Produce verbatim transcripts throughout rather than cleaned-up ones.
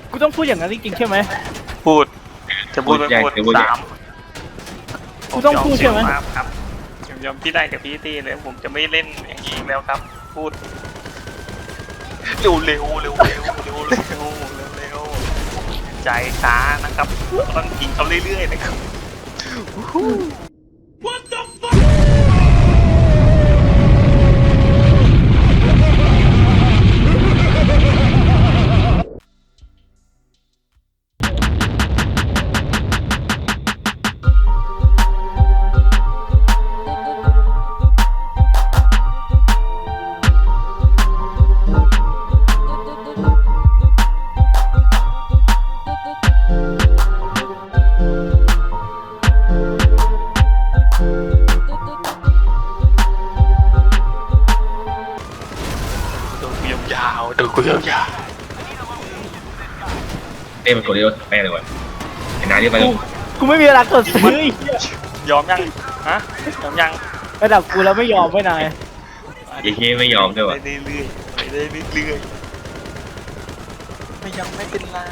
กูต้องพูดอย่างนั้นจริงๆใช่ไหมพูดจะพูดไม่พูดสามกูต้องพูดใช่ไหมครับผมยอมพี่ได้กับพี่ตีเลยผมจะไม่เล่นอย่างนี้แล้วครับพูดเร็วเร็วเร็วเร็วเร็วเร็วเร็วเร็วใจช้านะครับต้องกินเขาเรื่อยๆนะครับ What the fuck ยาวๆดูกูยาวเต้มันกดเร็วแม่เลยวะไอ้นายเรียกไปเลยกูไม่มีเวลากดซื้อๆยอมยังฮะยอมยังระดับกูแล้วไม่ยอมไม่นายไอ้เฮ้ยไม่ยอมด้วยวะไปเรื่อยๆไปเรื่อยๆไม่ยังไม่เป็นไร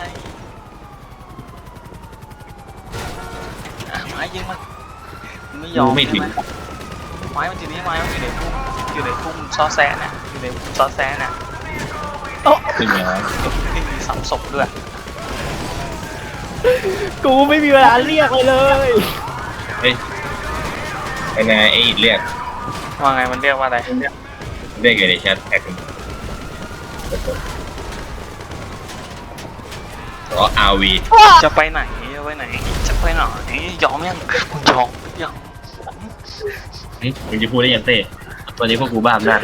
ไม้ยิงมันไม่ยอมไม่ถึงไม้มันอยู่นี่ไม้มันอยู่ในพุ่มอยู่ในพุ่มซอแซะเนี่ยอยู่ในพุ่มซอแซะเนี่ยโอ้ขึ้นมาไม่มีซ้ำศพด้วยกูไม่มีเวลาเรียกเลยเฮ้ยไอ้นายไอ้เรียกว่าไงมันเรียกว่าอะไรเรียกอยู่ในแชทแท็กอ๋อ อาร์ วีจะไปไหนจะไปไหนจะไปไหนยอมยังยอมยังมึงจะพูดได้ยังเต้ตอนนี้พวกกูบ้าอำนาจ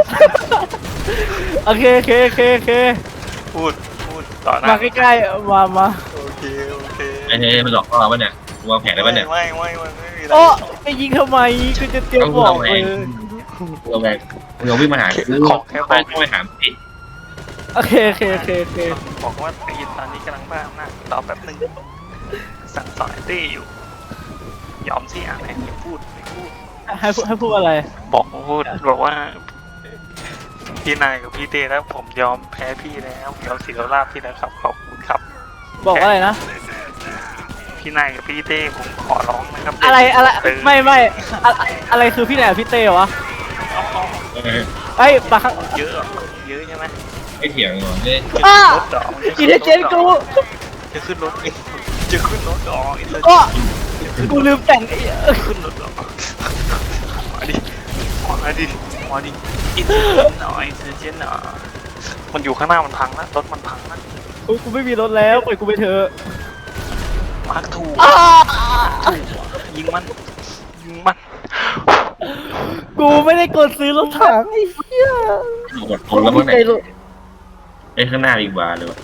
โอเคโอเคโอเคโอเคพูดพูดต่อหน้ามาใกล้ๆมามาโอเคโอเคไอ้เฮ้ยมันหลอกล่อเราปะเนี่ยวางแผนได้ปะเนี่ยไม่ไม่ไม่ไม่มีอะไรโอ้ไปยิงทำไมกูจะเตรียมบอกเลยเราแบกเราวิ่งมาหาคือขอแค่บไปอกไปหาไอ้โอเคโอเคโอเคโอเคบอกว่าตีตอนนี้กำลังบ้าอำนาจรอแป๊บนึงสั่งสอนตี้อยู่ยอมสิอะไรไม่พูดไม่พูดให้พูดให้พูดอะไรบอกพูดบอกว่าพี่นายกับพี่เต้แล้วผมยอมแพ้พี่แล้วยอมเสียลาบพี่แล้วครับขอบคุณครับบอกว่าอะไรนะพี่นายกับพี่เต้ผมขอร้องนะครับอะไรอะไรตื่นไม่ไม่อะอะไรคือพี่แหนมพี่เต้วะเอาเอาไอ้ยปะข้างเยอะเยอะใช่ไหมไอ้เถียงหน่อยเนี่ยอ้ารถดอกอินเทอร์เจนกูจะขึ้นรถจะขึ้นรถดอกอินเตอร์ก็กูลืมแต่งไอ้ขึ้นรถดอกมาดิมาดิมาดิอินเตอร์เจนหน่อยอินเตอร์เจนหน่อยมันอยู่ข้างหน้ามันพังนะรถมันพังนะโอ้ยกูไม่มีรถแล้วปล่อยกูไปเถอะมาร์คถูกอ้าถูกยิงมันยิงมันกูไม่ได้กดซื้อรถถังไอ้เหี้ยกดคนแล้วมั้งเนี่ยไอ้ข้างหน้าอีกบาร์เลยวะ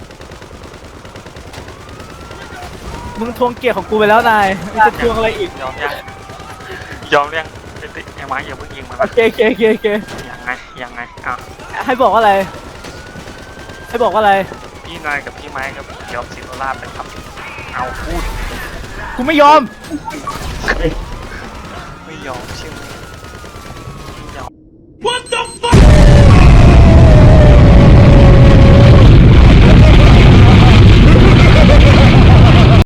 มึงทวงเกียรติของกูไปแล้วนายมึงจะทวงอะไรอีกยอมยังยอมยังไอ้ติไอ้ไม้อย่าเพิ่งยิงมันโอเคโอเคโอเคโอเคยังไงยังไงอ่ะให้บอกว่าอะไร ให้บอกว่าอะไรพี่นายกับพี่ไม้กับยอมสิโรลาบเลยครับเอาพูดกูไม่ยอมไม่ยอมใช่ไหม